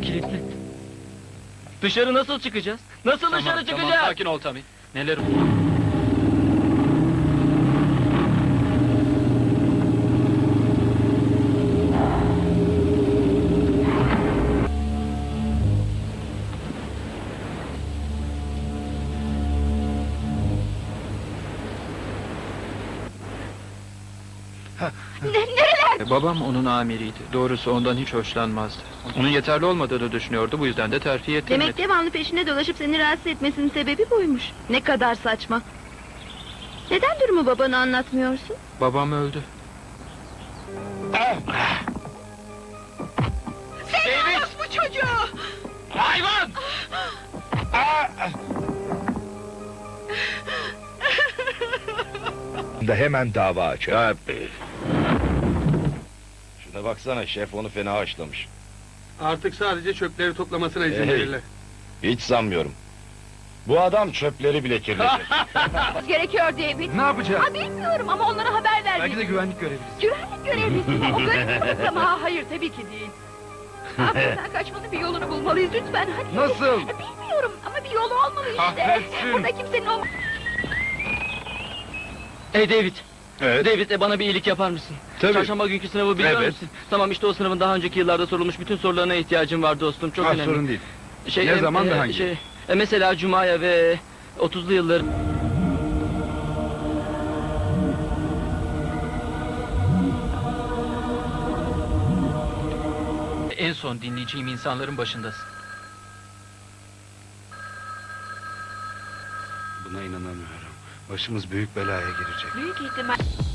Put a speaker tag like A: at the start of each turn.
A: kilitli. Dışarı nasıl çıkacağız? Nasıl dışarı çıkacağız?
B: Tamam, sakin ol Tommy. Neler
C: Nereler?
B: Babam onun amiriydi. Doğrusu ondan hiç hoşlanmazdı. Onun yeterli olmadığını düşünüyordu. Bu yüzden de terfi ettirmedi.
C: Demek devamlı peşinde dolaşıp seni rahatsız etmesinin sebebi buymuş. Ne kadar saçma. Neden durumu babana anlatmıyorsun?
B: Babam öldü.
C: Sen bu çocuğu!
A: Hayvan!
D: Da hemen dava aç. Ha. Şuna baksana, şef onu fena haşlamış.
E: Artık sadece çöpleri toplamasına izin
D: Hey.
E: verirler.
D: Hiç sanmıyorum. Bu adam çöpleri bile kirletecek.
C: Gerekiyor David.
B: Ne yapacağız?
C: Ha, bilmiyorum ama onlara haber ver.
B: Belki de güvenlik görevlisi.
C: Güvenlik görevlisi mi? O garip ama hayır tabii ki değil. Sen kaçmanın bir yolunu bulmalıyız lütfen hadi.
B: Nasıl?
C: Bilmiyorum ama bir yolu olmalı işte.
B: Kahretsin.
C: Burada kimsenin olma...
A: Hey David.
D: Evet.
A: David bana bir iyilik yapar mısın?
D: Tabii.
A: Çarşamba günkü sınavı biliyor
D: Evet.
A: musun? Tamam işte o sınavın daha önceki yıllarda sorulmuş bütün sorularına ihtiyacım var dostum. Çok önemli.
D: Sorun değil.
A: Şey,
D: Ne zaman ve hangi?
A: Mesela Cuma'ya ve 30'lu yıllar.
B: En son dinleyeceğim insanların başındasın.
D: Buna inanamıyorum. Başımız büyük belaya girecek.
C: Büyük ihtimal...